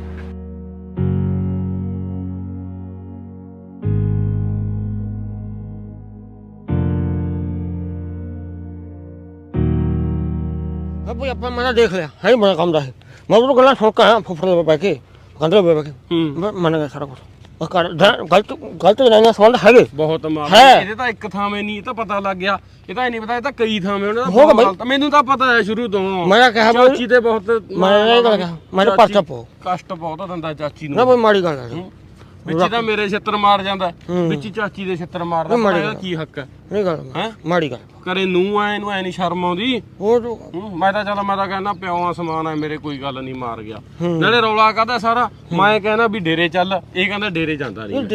भाई अपन मैंने देख लिया है ही बड़ा काम रहा है। मैं तो गला सुन के आया फुफड़ में बैठ के कंधे पे बैठ के मैंने कहा सारा कुछ और गलत गलत जनानियां संबंध है
ਬਹੁਤ ਮਾਰ
ਹੈ।
ਇਹਦੇ ਤਾਂ ਇੱਕ ਥਾਵੇਂ ਨਹੀਂ, ਇਹ ਤਾਂ ਪਤਾ ਲੱਗ ਗਿਆ। ਇਹ ਤਾਂ ਨਹੀਂ ਪਤਾ, ਇਹ ਤਾਂ ਕਈ ਥਾਵੇਂ ਉਹਨਾਂ
ਹੋਗਾ
ਦਾ
ਬਾਈ।
ਗਲਤ। ਮੈਨੂੰ ਤਾਂ ਪਤਾ ਹੈ ਸ਼ੁਰੂ ਤੋਂ।
मैं कहा भाई
ਚਾਚੀ ਤੇ ਬਹੁਤ
मैंने नहीं कहा मैंने पर्चा पो
ਕਸ਼ਟ ਬਹੁਤ ਦਿੰਦਾ ਚਾਚੀ
ना
ਨੂੰ।
भाई माड़ी गल है
ਵਿੱਚ ਤਾਂ ਮੇਰੇ ਛਿੱਤਰ ਮਾਰ ਜਾਂਦਾ, ਵਿੱਚ ਹੀ ਚਾਚੀ ਦੇ ਛਿੱਤਰ ਮਾਰਦਾ।
ਮਾੜੀ
ਇਹਦਾ
ਗੱਲ।
ਕੀ ਹੱਕ ਹੈ?
नहीं गल
ਹੈਂ?
माड़ी गल
ਕਰੇ ਨੂੰ ਐ ਇਹਨੂੰ ਐ ਨਹੀਂ ਸ਼ਰਮ ਆਉਂਦੀ।
वो तो
ਮੈਂ ਤਾਂ ਕਹਿੰਦਾ ਪਿਓ ਆ ਸਮਾਨ ਹੈ ਮੇਰੇ, ਕੋਈ ਗੱਲ ਨਹੀਂ, ਮਾਰ ਗਿਆ। ਨਾਲੇ ਰੌਲਾ ਕਾਹਦਾ ਸਾਰਾ? ਮੈਂ ਕਹਿੰਦਾ ਵੀ ਡੇਰੇ ਚੱਲ, ਇਹ ਕਹਿੰਦਾ ਡੇਰੇ ਜਾਂਦਾ ਨਹੀਂ।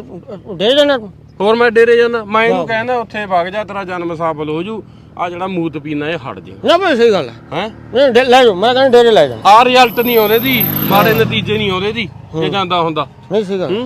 दे देना
ਹੋਰ ਮੈਂ ਡੇਰੇ ਜਾਂਦਾ, ਮੈਂ ਇਹਨੂੰ ਕਹਿੰਦਾ ਉੱਥੇ ਵਗ ਜਾ, ਤੇਰਾ ਜਨਮ ਸਫਲ ਹੋ ਜੂ। ਆ ਜਿਹੜਾ ਮੂਤ ਪੀਣਾ ਇਹ ਹਟ ਜੇ।
ना भाई सही गल है
ਹੈ
नहीं ले जाओ मैं कहना डेरे ले जाओ
ਆ ਰਿਜ਼ਲਟ ਨਹੀਂ ਆਉਂਦੇ ਦੀ, ਮਾੜੇ ਨਤੀਜੇ ਨਹੀਂ ਆਉਂਦੇ ਦੀ ਜੇ ਜਾਂਦਾ ਹੁੰਦਾ।
नहीं सही गल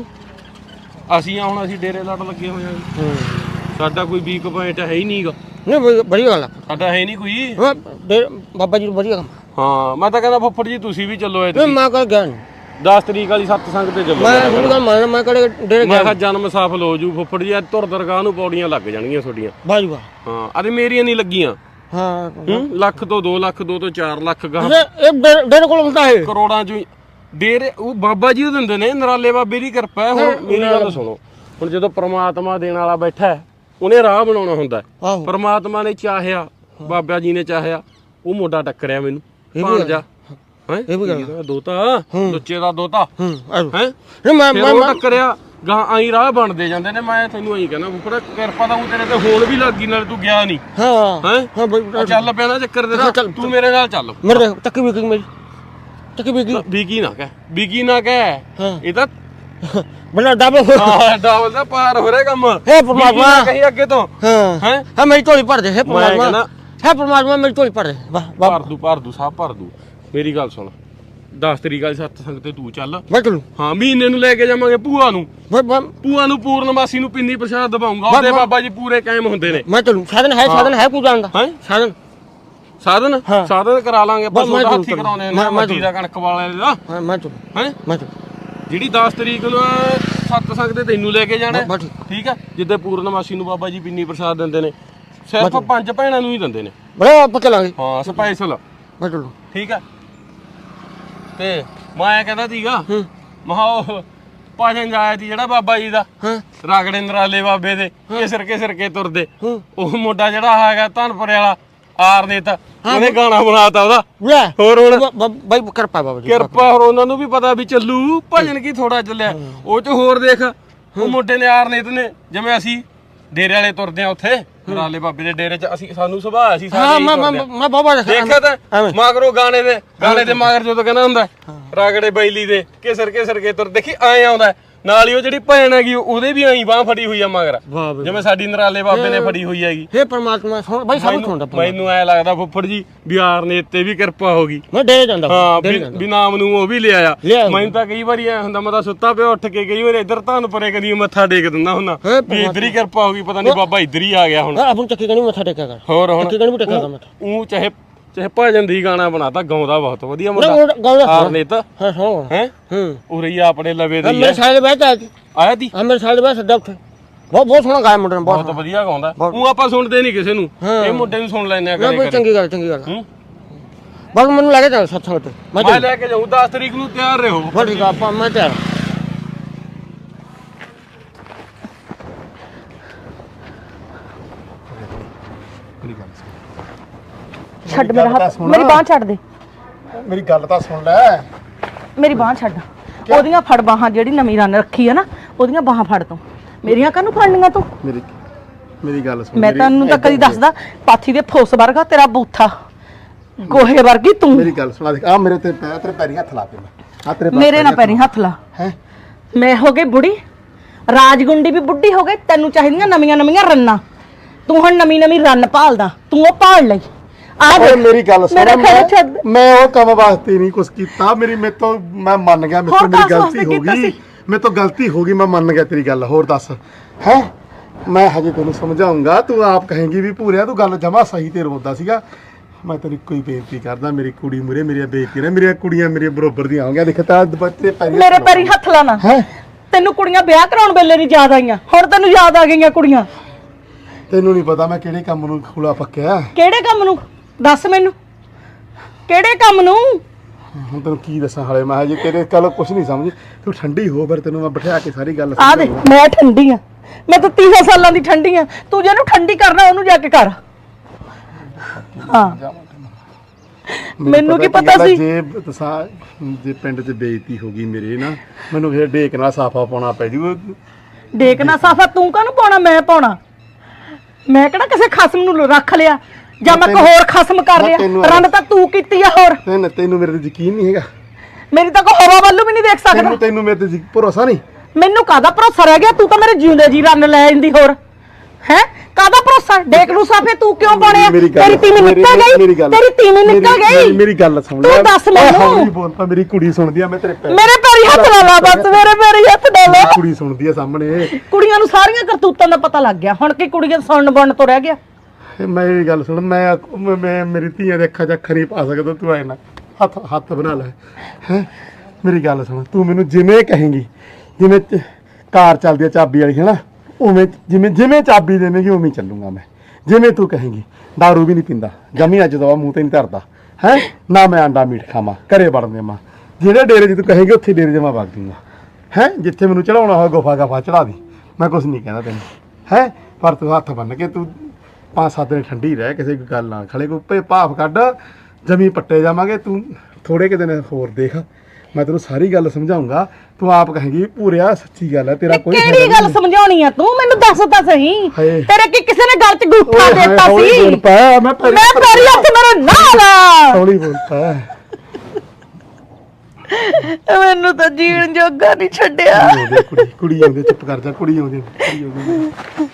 ਅਸੀਂ ਆ ਹੁਣ ਅਸੀਂ ਡੇਰੇ ਲੜ ਲੱਗੇ ਹੋਏ ਆਂ। ਸਾਡਾ ਕੋਈ ਵੀਕ ਪੁਆਇੰਟ ਹੈ ਹੀ ਨਹੀਂਗਾ।
नहीं भाई बढ़िया गल है
ਸਾਡਾ ਹੈ नहीं कोई।
हाँ, बाबा जी बढ़िया काम
ਹਾਂ ਮੈਂ ਤਾਂ ਕਹਿੰਦਾ ਫੁੱਫੜ ਜੀ ਤੁਸੀਂ ਵੀ ਚੱਲੋ
नहीं मैं कर गया नहीं
10 ਤਰੀਕ ਵਾਲੀ ਸਤਸੰਗ ਤੇ ਚੱਲੋ।
मैं थोड़ी गल मान मैं करे डेरे
ਮੈਂ ਕਿਹਾ ਜਨਮ ਸਫਲ ਹੋ ਜੂ ਫੁੱਫੜ ਜੀ। ਤੁਰ ਦਰਗਾਹ ਨੂੰ ਪੌੜੀਆਂ ਲੱਗ ਜਾਣਗੀਆਂ ਤੁਹਾਡੀਆਂ।
भाई वाह
ਹਾਂ ਅਰੇ ਮੇਰੀਆਂ ਨਹੀਂ ਲੱਗੀਆਂ।
हाँ
ਲੱਖ ਤੋਂ 2 ਲੱਖ, 2 ਤੋਂ 4 ਲੱਖ ਗਾਹ
एक डेरे को मिलता है
ਕਰੋੜਾਂ ਚ ਡੇਰੇ ਉਹ ਬਾਬਾ ਜੀ ਉਹ ਦਿੰਦੇ ਨੇ। ਨਰਾਲੇ ਬਾਬੇ ਦੀ ਕਿਰਪਾ ਹੈ। ਹੁਣ ਮੇਰੀ ਗੱਲ ਸੁਣੋ, ਹੁਣ ਜਦੋਂ ਪ੍ਰਮਾਤਮਾ ਦੇਣ ਵਾਲਾ ਬੈਠਾ ਹੈ, ਉਹਨੇ ਰਾਹ ਬਣਾਉਣਾ ਹੁੰਦਾ ਹੈ।
ਆਹੋ
ਪ੍ਰਮਾਤਮਾ ਨੇ ਚਾਹਿਆ, ਬਾਬਾ ਜੀ ਨੇ ਚਾਹਿਆ, ਉਹ ਮੁੰਡਾ ਟੱਕਰਿਆ ਮੈਨੂੰ ਭਾਣਜਾ ਹੈ।
ਇਹ ਵੀ ਗੱਲ
ਦੋਤਾ, ਲੁੱਚੇ ਦਾ ਦੋਤਾ ਹੈ।
नहीं मैं
ਫਿਰ ਉਹ ਟੱਕਰਿਆ ਗਾਂ, ਆਈ ਰਾਹ ਬਣਦੇ ਜਾਂਦੇ ਨੇ। ਮੈਂ ਤੈਨੂੰ ਆਈ ਕਹਿੰਦਾ ਫੁੱਫੜਾ ਕਿਰਪਾ ਤਾਂ ਉਹ ਤੇਰੇ ਤੇ ਹੋਣ ਵੀ ਲੱਗੀ, ਨਾਲ ਤੂੰ ਗਿਆ ਨਹੀਂ
हाँ
ਹੈ।
हाँ भाई
ਚੱਲ ਪਿਆ ਨਾ ਚੱਕਰ ਦੇ, ਤੂੰ ਮੇਰੇ ਨਾਲ ਚੱਲ।
मेरे तकी बिकी मेरी तकी बिकी
ਬੀਗੀ ਨਾ ਕਹਿ, ਬੀਗੀ ਨਾ ਕਹਿ, ਇਹ ਤਾਂ
बड़ा डबल
ਹਾਂ ਡਬਲ ਦਾ ਪਾਰ ਹੋ ਰਿਹਾ ਕੰਮ।
हे परमात्मा
ਕਹੀਂ ਅੱਗੇ ਤੋਂ
हाँ
ਹੈ।
हाँ मेरी झोली भर दे हे परमात्मा
कहना-
हे परमात्मा मेरी झोली भर दे वाह वाह
ਭਰ ਦੂ ਸਭ ਭਰ ਦੂ। ਮੇਰੀ ਗੱਲ ਸੁਣ, 10 ਤਰੀਕ ਵਾਲੀ ਸਤਸੰਗ ਤੇ ਤੂੰ ਚੱਲ।
मैं चलूं
ਹਾਂ ਮਹੀਨੇ ਨੂੰ ਲੈ ਕੇ ਜਾਵਾਂਗੇ ਭੂਆ ਨੂੰ।
मैं
ਭੂਆ ਨੂੰ ਪੂਰਨਮਾਸੀ ਨੂੰ ਪਿੰਨੀ ਪ੍ਰਸ਼ਾਦ ਦਵਾਉਂਗਾ। ਉਹਦੇ ਬਾਬਾ ਜੀ ਪੂਰੇ ਕਾਇਮ ਹੁੰਦੇ ਨੇ।
मैं चलूं साधन है पूजा का
हैं?
साधन
ਸਾਧਨ
ਹਾਂ।
ਸਾਧਨ ਕਰਾ ਲਾਂਗੇ।
ਮੈਂ
ਪਸ਼ੂ ਦਾ ਹੱਥੀ
ਜ਼ਰੂਰ
ਕਰਾਉਣੇ ਨੇ,
ਮੈਂ
ਮੱਦੀ ਦਾ ਕਣਕ ਵਾਲੇ ਦਾ
हाँ मैं चलूं
ਹੈ।
मैं चलूं
ਜਿਹੜੀ 10 ਤਰੀਕ ਨੂੰ ਸਤਸੰਗ ਤੇ ਤੈਨੂੰ ਲੈ ਕੇ ਜਾਣਾ
ਬਸ
ਠੀਕ ਹੈ। ਜਿੱਦੇ ਪੂਰਨਮਾਸੀ ਨੂੰ ਬਾਬਾ ਜੀ ਪਿੰਨੀ ਪ੍ਰਸ਼ਾਦ ਦਿੰਦੇ ਨੇ, ਸਿਰਫ 5 ਭੈਣਾਂ ਨੂੰ ਹੀ ਦਿੰਦੇ ਨੇ।
बड़ा पक्का लागे
ਹਾਂ ਸਪੈਸ਼ਲ
मैं चलूं
ਠੀਕ ਹੈ। ਤੇ ਮੈਂ ਕਹਿੰਦਾ ਸੀਗਾ ਮਹਾ ਉਹ ਭਜਨ ਜਾਇਆ ਸੀ ਜਿਹੜਾ ਬਾਬਾ ਜੀ ਦਾ,
हाँ
ਰਾਗੜੇ ਨਰਾਲੇ ਬਾਬੇ ਦੇ ਘਿਸਰ ਕੇ ਤੁਰਦੇ। ਉਹ ਮੁੰਡਾ ਜਿਹੜਾ ਹੈਗਾ ਧਨਪੁਰੇ ਵਾਲਾ ਆਰਨੇਤ, ਉਹਨੇ ਗਾਣਾ ਬਣਾਤਾ ਉਹਦਾ।
ले
ਹੋਰ ਹੁਣ
भाई कृपा बाबा जी
ਕਿਰਪਾ, ਹੋਰ ਉਹਨਾਂ ਨੂੰ ਵੀ ਪਤਾ ਵੀ ਚੱਲੂ ਭਜਨ ਕੀ ਥੋੜਾ ਚੱਲਿਆ। ਉਹ ਚ ਹੋਰ ਦੇਖ, ਉਹ ਮੁੰਡੇ ਨੇ ਆਰਨੇਤ ਨੇ, ਜਿਵੇਂ ਅਸੀਂ ਡੇਰੇ ਵਾਲੇ ਤੁਰਦੇ ਆ ਉੱਥੇ ਨਰਾਲੇ ਬਾਬੇ ਦੇ ਡੇਰੇ ਚ, ਅਸੀਂ ਸਾਨੂੰ ਸੁਭਾਅ ਅਸੀਂ
हाँ
ਸਾਰੇ
मैं बाबा
ਦੇਖਿਆ ਤਾਂ ਮਗਰੋਂ ਗਾਣੇ ਦੇ ਮਗਰ ਜਦੋਂ ਕਹਿੰਦਾ ਹੁੰਦਾ ਰਾਗੜੇ ਬੈਲੀ ਦੇ ਘਿਸਰ ਕੇ ਤੁਰ, ਦੇਖੀ ਐ ਆਉਂਦਾ ਨਾਲ ਹੀ। ਉਹ ਜਿਹੜੀ ਭੈਣ ਹੈਗੀ ਉਹਦੇ ਵੀ ਐਂ ਬਾਹ ਫੜੀ ਹੋਈ ਆ ਮਗਰ, ਜਿਵੇਂ ਸਾਡੀ ਨਰਾਲੇ ਬਾਬੇ ਨੇ ਫੜੀ ਹੋਈ ਹੈਗੀ।
हे परमात्मा सुन भाई सब सुनदा
ਮੈਨੂੰ ਐ ਲੱਗਦਾ ਫੁੱਫੜ ਜੀ ਬਿਹਾਰ ਨੇ ਤੇ ਵੀ ਕਿਰਪਾ ਹੋ ਗਈ।
मैं डेरे जांदा
ਹਾਂ
डेरे जांदा
ਵੀ ਨਾਮ ਨੂੰ ਉਹ ਵੀ ਲਿਆਇਆ।
ਲਿਆਇਆ।
ਮੈਨੂੰ ਤਾਂ ਕਈ ਵਾਰੀ ਐ ਹੁੰਦਾ, ਮੈਂ ਤਾਂ ਸੁੱਤਾ ਪਿਆ ਉੱਠ ਕੇ ਕਈ ਵਾਰੀ ਇੱਧਰ ਧੰਨ ਪਰੇ ਕਦੀ ਮੱਥਾ ਟੇਕ ਦਿੰਦਾ ਹੁੰਦਾ ਵੀ ਇੱਧਰ ਹੀ ਕਿਰਪਾ ਹੋ ਗਈ, ਪਤਾ ਨਹੀਂ ਬਾਬਾ ਇੱਧਰ ਹੀ ਆ ਗਿਆ ਹੁਣ।
अपन चक्की गणी मथा टेका कर
ਹੋਰ ਹੁਣ
चक्की गणी भी टेका कर मथा
ਉਹ ਚਾਹੇ
ਚਾਹੇ ਭਜਨ ਦੀ ਗਾਣਾ ਬਣਾਤਾ, ਗਾਉਂਦਾ ਬਹੁਤ ਵਧੀਆ
ਨਾ
ਮੁੰਡਾ
ਗੱਲ
ਆਰਨੇਤ
ਹਾਂ ਸੁਣੋ
ਹੈ ਉਰੇ ਹੀ ਆਪਣੇ ਲਵੇ ਦੇ ਹੀ
ਮੇਰੇ
ਆ।
ਸਾਲੇ ਬੈਠ
ਆਇਆ ਤੀ
ਮੇਰੇ ਸਾਲੇ ਬੈਠ ਸੱਦਾ ਉੱਥੇ ਬਹੁਤ ਸੋਹਣਾ ਗਾਇਆ ਮੁੰਡੇ ਨੇ
ਬਹੁਤ ਵਧੀਆ ਗਾਉਂਦਾ। ਉਹ ਆਪਾਂ ਸੁਣਦੇ ਨਹੀਂ ਕਿਸੇ ਨੂੰ, ਇਹ ਮੁੰਡੇ ਨੂੰ ਸੁਣ ਲੈਂਦੇ ਆ
ਨਾ
ਕਦੇ
ਬਈ
ਕਦੇ।
ਚੰਗੀ ਗੱਲ ਬਸ ਮੈਨੂੰ ਲੱਗੇ ਚੱਲ ਸਤਸੰਗ ਤੇ
ਮੈਂ ਲੈ ਕੇ ਜਾਊਂ 10 ਤਰੀਕ ਨੂੰ, ਤਿਆਰ ਰਹੋ।
ਬਸ ਠੀਕ ਆ ਆਪਾਂ ਮੈਂ ਤਿਆਰ
ਛੱਡ ਮੇਰਾ ਹੱਥ, ਮੇਰੀ ਬਾਹ ਛੱਡ ਦੇ,
ਮੇਰੀ ਗੱਲ ਤਾਂ ਸੁਣ ਲੈ।
ਮੇਰੀ ਬਾਹ ਛੱਡ। ਉਹਦੀਆਂ ਫੜ ਬਾਹਾਂ, ਜਿਹੜੀ ਨਵੀਂ ਰਨ ਰੱਖੀ ਆ ਨਾ, ਉਹਦੀਆਂ ਬਾਹਾਂ ਫੜ ਤੂੰ। ਮੇਰੀਆਂ ਕਾਹਨੂੰ ਫੜਨੀਆਂ ਤੂੰ?
ਮੇਰੀ ਗੱਲ ਸੁਣ।
ਮੈਂ ਤੈਨੂੰ ਤਾਂ ਕਦੀ ਦੱਸਦਾ, ਪਾਥੀ ਦੇ ਫੋਸ ਵਰਗਾ ਤੇਰਾ ਬੂਥਾ, ਗੋਹੇ ਵਰਗੀ ਤੂੰ।
ਮੇਰੀ ਗੱਲ ਸੁਣਾ ਦੇਖ, ਆ ਮੇਰੇ ਤੇ ਤੇਰੇ ਪੈਰੀ ਹੱਥ ਲਾ ਕੇ ਆ ਤੇਰੇ
ਮੇਰੇ ਨਾਲ ਪੈਰੀ ਹੱਥ ਲਾ।
ਹੈ
ਮੈਂ ਹੋ ਗਈ ਬੁੜੀ, ਰਾਜਗੁੰਡੀ ਵੀ ਬੁੱਢੀ ਹੋ ਗਈ, ਤੈਨੂੰ ਚਾਹੀਦੀਆਂ ਨਵੀਆਂ ਨਵੀਆਂ ਰੰਨਾਂ। ਤੂੰ ਹੁਣ ਨਵੀਂ ਨਵੀਂ ਰੰਨ ਭਾਲਦਾ, ਤੂੰ ਉਹ ਭਾਲ ਲਈ। ਆ ਦੇਖ,
ਮੇਰੀ ਗੱਲ ਸੁਣ,
ਮੇਰਾ ਖਹਿੜਾ ਛੱਡ।
ਮੈਂ ਉਹ ਕੰਮ ਵਾਸਤੇ ਨਹੀਂ ਕੁਛ ਕੀਤਾ। ਮੈਂ ਮੰਨ ਗਿਆ, ਮੇਰੇ ਤੋਂ ਮੇਰੀ ਗਲਤੀ ਹੋ ਗਈ, ਮੇਰੇ ਤੋਂ ਗਲਤੀ ਹੋ ਗਈ, ਮੈਂ ਮੰਨ ਗਿਆ ਤੇਰੀ ਗੱਲ। ਹੋਰ ਦੱਸ ਹੈ, ਮੈਂ ਹਜੇ ਤੈਨੂੰ ਸਮਝਾਉਂਗਾ, ਤੂੰ ਆਪ ਕਹੇਂਗੀ ਵੀ ਭੂਰਿਆ ਤੂੰ ਗੱਲ ਜਮਾ ਸਹੀ ਤੇ ਰੋਂਦਾ ਸੀਗਾ। ਮੈਂ ਤੇਰੀ ਕੋਈ ਬੇਨਤੀ ਕਰਦਾ, ਮੇਰੀ ਕੁੜੀ ਮੂਰੇ ਮੇਰੀਆਂ ਬੇਇੱਜ਼ਤੀ ਨੇ, ਮੇਰੀਆਂ ਕੁੜੀਆਂ ਮੇਰੇ ਬਰੋਬਰ ਦੀਆਂ ਆਉਂਗੀਆਂ। ਦੇਖ ਤਾਂ ਬੱਚੇ ਪੈਰੀ
ਮੇਰੇ ਪੈਰੀ ਹੱਥ ਲਾਣਾ। ਤੈਨੂੰ ਕੁੜੀਆਂ ਵਿਆਹ ਕਰਾਉਣ ਵੇਲੇ ਨਹੀਂ ਯਾਦ ਆਈਆਂ, ਹੁਣ ਤੈਨੂੰ ਯਾਦ ਆ ਗਈਆਂ ਕੁੜੀਆਂ।
ਤੈਨੂੰ ਨਹੀਂ ਪਤਾ ਮੈਂ ਕਿਹੜੇ ਕੰਮ ਨੂੰ ਖੁਲਾ ਪੱਕਿਆ।
ਕਿਹੜੇ ਕੰਮ ਨੂੰ ਦੱਸ ਮੈਨੂੰ, ਕਿਹੜੇ ਕੰਮ ਨੂੰ?
ਹੁਣ ਤੈਨੂੰ ਕੀ ਦੱਸਾਂ, ਹਾਲੇ ਮੈਂ ਹਜੇ ਤੇਰੇ ਕੱਲ ਕੁਛ ਨਹੀਂ ਸਮਝੀ। ਤੂੰ ਠੰਡੀ ਹੋ, ਫਿਰ ਤੈਨੂੰ ਮੈਂ ਬਿਠਾ ਕੇ ਸਾਰੀ ਗੱਲ
ਆ ਦੇ, ਮੈਂ ਠੰਡੀ ਆ, ਮੈਂ ਤਾਂ 30 ਸਾਲਾਂ ਦੀ ਠੰਡੀ ਆ। ਤੂੰ ਜਿਹਨੂੰ ਠੰਡੀ ਕਰਨਾ ਉਹਨੂੰ ਜਾ ਕੇ ਕਰ। ਹਾਂ, ਮੈਨੂੰ ਕੀ ਪਤਾ ਸੀ?
ਜੇ ਪਿੰਡ 'ਚ ਬੇਇੱਜ਼ਤੀ ਹੋ ਗਈ ਮੇਰੇ ਨਾ, ਮੈਨੂੰ ਫਿਰ ਢੇਕ ਨਾਲ ਸਾਫਾ ਪਾਉਣਾ ਪੈ ਜੂ।
ਦੇਖਣਾ ਸਾਫਾ ਤੂੰ ਕਾਹਨੂੰ ਪਾਉਣਾ, ਮੈਂ ਪਾਉਣਾ। ਮੈਂ ਕਿਹੜਾ ਕਿਸੇ ਖਸਮ ਨੂੰ ਰੱਖ ਲਿਆ ਜਾਂ ਮੈਂ ਕੋਈ ਹੋਰ ਖਸਮ ਕਰ ਲਿਆ। ਰੰਨ ਤਾਂ ਤੂੰ ਕੀਤੀ ਆ। ਹੋਰ
ਤੈਨੂੰ ਮੇਰੇ ਤੇ ਯਕੀਨ ਨਹੀਂ ਹੈਗਾ?
ਮੇਰੀ ਤਾਂ ਕੋਈ ਹਵਾ ਵੱਲੋਂ ਵੀ ਨਹੀਂ ਦੇਖ ਸਕਦਾ।
ਤੈਨੂੰ ਮੇਰੇ ਤੇ ਭਰੋਸਾ ਨਹੀਂ?
ਮੈਨੂੰ ਕਾਹਦਾ ਭਰੋਸਾ ਰਹਿ ਗਿਆ? ਤੂੰ ਤਾਂ ਮੇਰੇ ਜਿਉਂਦੇ ਜੀ ਰੰਨ ਲੈ ਜਾਂਦੀ। ਹੋਰ ਹੈ ਕਾਹਦਾ ਭਰੋਸਾ? ਦੇਖ ਲੂ ਸਾਫੇ ਤੂੰ ਕਿਉਂ ਪਾਉਣੇ ਆ? ਤੇਰੀ ਤੀਵੀਂ ਨਿਕਲ ਗਈ, ਤੇਰੀ ਤੀਵੀਂ ਨਿਕਲ ਗਈ।
ਮੇਰੀ ਗੱਲ ਸੁਣ
ਤੂੰ ਦੱਸ ਮੈਨੂੰ।
ਹੌਲੀ ਬੋਲ ਪਾ, ਮੇਰੀ ਕੁੜੀ ਸੁਣਦੀ ਆ। ਮੈਂ ਤੇਰੇ
ਮੇਰੇ ਪੈਰੀ ਹੱਥ ਲਾ ਲਾ, ਬਸ ਮੇਰੇ ਪੈਰੀ ਹੱਥ ਲਾ ਲਾ।
ਕੁੜੀ ਸੁਣਦੀ ਆ ਸਾਹਮਣੇ।
ਕੁੜੀਆਂ ਨੂੰ ਸਾਰੀਆਂ ਕਰਤੂਤਾਂ ਦਾ ਪਤਾ ਲੱਗ ਗਿਆ, ਹੁਣ ਕੀ ਕੁੜੀਆਂ ਸੁਣਨ ਬਣ ਤੋਂ ਰਹਿ ਗਿਆ?
ਮੇਰੀ ਗੱਲ ਸੁਣ, ਮੈਂ ਮੇਰੀ ਧੀਆਂ ਦੇ ਅੱਖਾਂ 'ਚ ਅੱਖਰ ਨਹੀਂ ਪਾ ਸਕਦਾ। ਤੂੰ ਐ ਨਾ ਹੱਥ ਬਣਾ ਲੈ। ਹੈ ਮੇਰੀ ਗੱਲ ਸੁਣ, ਤੂੰ ਮੈਨੂੰ ਜਿਵੇਂ ਕਹੇਂਗੀ, ਜਿਵੇਂ ਕਾਰ ਚੱਲਦੀ ਆ ਚਾਬੀ ਵਾਲੀ, ਹੈ ਨਾ, ਉਵੇਂ ਜਿਵੇਂ ਚਾਬੀ ਦੇਵੇਂਗੀ ਉਵੇਂ ਚੱਲੂਗਾ ਮੈਂ। ਜਿਵੇਂ ਤੂੰ ਕਹੇਂਗੀ। ਦਾਰੂ ਵੀ ਨਹੀਂ ਪੀਂਦਾ ਜਮੀ, ਅੱਜ ਦਵਾ ਮੂੰਹ ਤੇ ਨਹੀਂ ਧਰਦਾ। ਹੈ ਨਾ ਮੈਂ ਆਂਡਾ ਮੀਟ ਖਾਵਾਂ, ਘਰੇ ਵੜਨ ਦੇਵਾਂ। ਜਿਹੜੇ ਡੇਰੇ 'ਚ ਤੂੰ ਕਹੇਂਗੀ ਉੱਥੇ ਡੇਰੇ 'ਚ ਮੈਂ ਵਗ ਦੂੰਗਾ। ਹੈ ਜਿੱਥੇ ਮੈਨੂੰ ਚੜਾਉਣਾ ਹੋਇਆ ਗੁਫਾ ਗਫਾ ਚੜਾ ਦੀ, ਮੈਂ ਕੁਛ ਨਹੀਂ ਕਹਿੰਦਾ ਤੈਨੂੰ। ਹੈ ਪਰ ਤੂੰ ਹੱਥ ਬੰਨ ਕੇ ਤੂੰ 5-7 ਦਿਨ ਠੰਡੀ ਰਹਿ, ਕਿਸੇ ਗੱਲ ਨਾਲ ਖੜੇ ਕੋਈ ਭਾਫ ਕੱਢ, ਜਮੀ ਪੱਟੇ ਜਾਵਾਂਗੇ। ਤੂੰ ਥੋੜੇ ਕਿ ਦਿਨ ਹੋਰ ਦੇਖ, ਮੈਂ ਤੈਨੂੰ ਸਾਰੀ ਗੱਲ ਸਮਝਾਉਂਗਾ। ਤੂੰ ਆਪ ਕਹੇਂਗੀ ਪੂਰਿਆ ਸੱਚੀ ਗੱਲ ਹੈ, ਤੇਰਾ ਕੋਈ
ਕਿਹੜੀ ਗੱਲ ਸਮਝਾਉਣੀ ਆ ਤੂੰ? ਮੈਨੂੰ ਦੱਸ ਤਾਂ ਸਹੀ।
ਹਾਏ।
ਤੇਰੇ ਕੀ ਕਿਸੇ ਨੇ ਗੱਲ 'ਚ ਗੂਠਾ ਦਿੱਤਾ ਸੀ?
ਬੋਲ ਪਾ, ਮੈਂ
ਪੈਰੀ ਹੱਥ ਮੇਰੇ ਨਾਲ ਆ।
ਹੌਲੀ ਬੋਲ ਪਾ।
ਮੈਨੂੰ ਤਾਂ ਜੀਣ ਜੋਗਾ ਨਹੀਂ ਛੱਡਿਆ।
ਕੁੜੀ ਆਉਂਦੀ, ਚੁੱਪ ਕਰ ਜਾ। ਕੁੜੀ ਆਉਂਦੀ।